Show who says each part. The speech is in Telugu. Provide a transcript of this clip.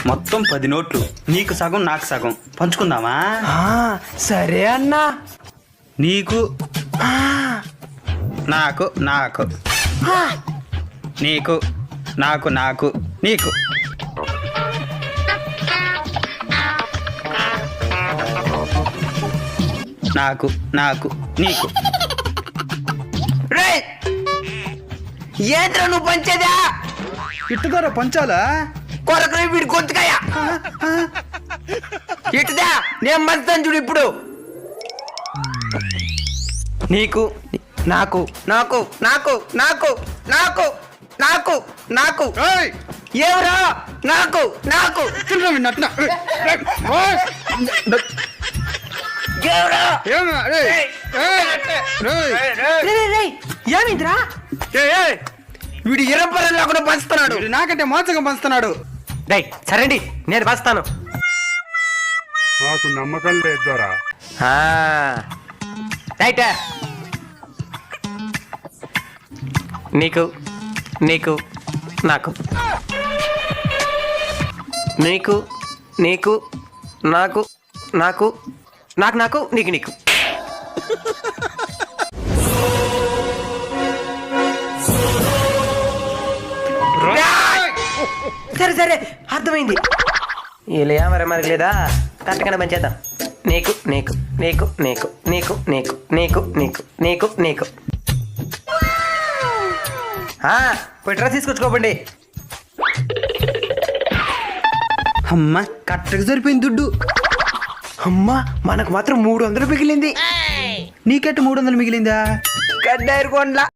Speaker 1: మొత్తం 10 నోట్లు, నీకు సగం నాకు సగం పంచుకుందామా?
Speaker 2: సరే అన్నా.
Speaker 1: నీకు నాకు నాకు నీకు నాకు నాకు నీకు. నాకు నాకు నీకు.
Speaker 2: రేయ్, ఏంద్రా నువ్వు పంచేదా?
Speaker 1: ఇట్టుదారా పంచాలా?
Speaker 2: కొరకరి వీడి గొంతుకాయ ఇటుదా, నేను పంచుతాను చూడు ఇప్పుడు. నీకు నాకు నాకు నాకు నాకు నాకు నాకు నాకు ఎవరా నాకు నాకు ఏమిందిరా? వీడు ఇరపరలా కూడా పంచుతున్నాడు,
Speaker 1: నాకంటే మోసంగా పంచుతున్నాడు.
Speaker 2: సరేండి నేను పంచుతాను.
Speaker 3: నాకు నమ్మకం లేదు దొరా.
Speaker 2: రైట్. నీకు నీకు నాకు నీకు నీకు నాకు నాకు నాకు నాకు నీకు నీకు. సరే సరే అర్థమైంది. ఇలా మరి మనకి లేదా కరెక్ట్గానే పనిచేద్దాం. నీకు నీకు నీకు నీకు నీకు నీకు నీకు నీకు నీకు నీకు. పోయి డ్రెస్ తీసుకొచ్చుకోబండి.
Speaker 1: అమ్మా కరెక్ట్గా సరిపోయింది దుడ్డు.
Speaker 2: అమ్మా మనకు మాత్రం 300 మిగిలింది.
Speaker 1: నీకెట్టు 300 మిగిలిందా?
Speaker 2: కడ్డారు కొండ్ల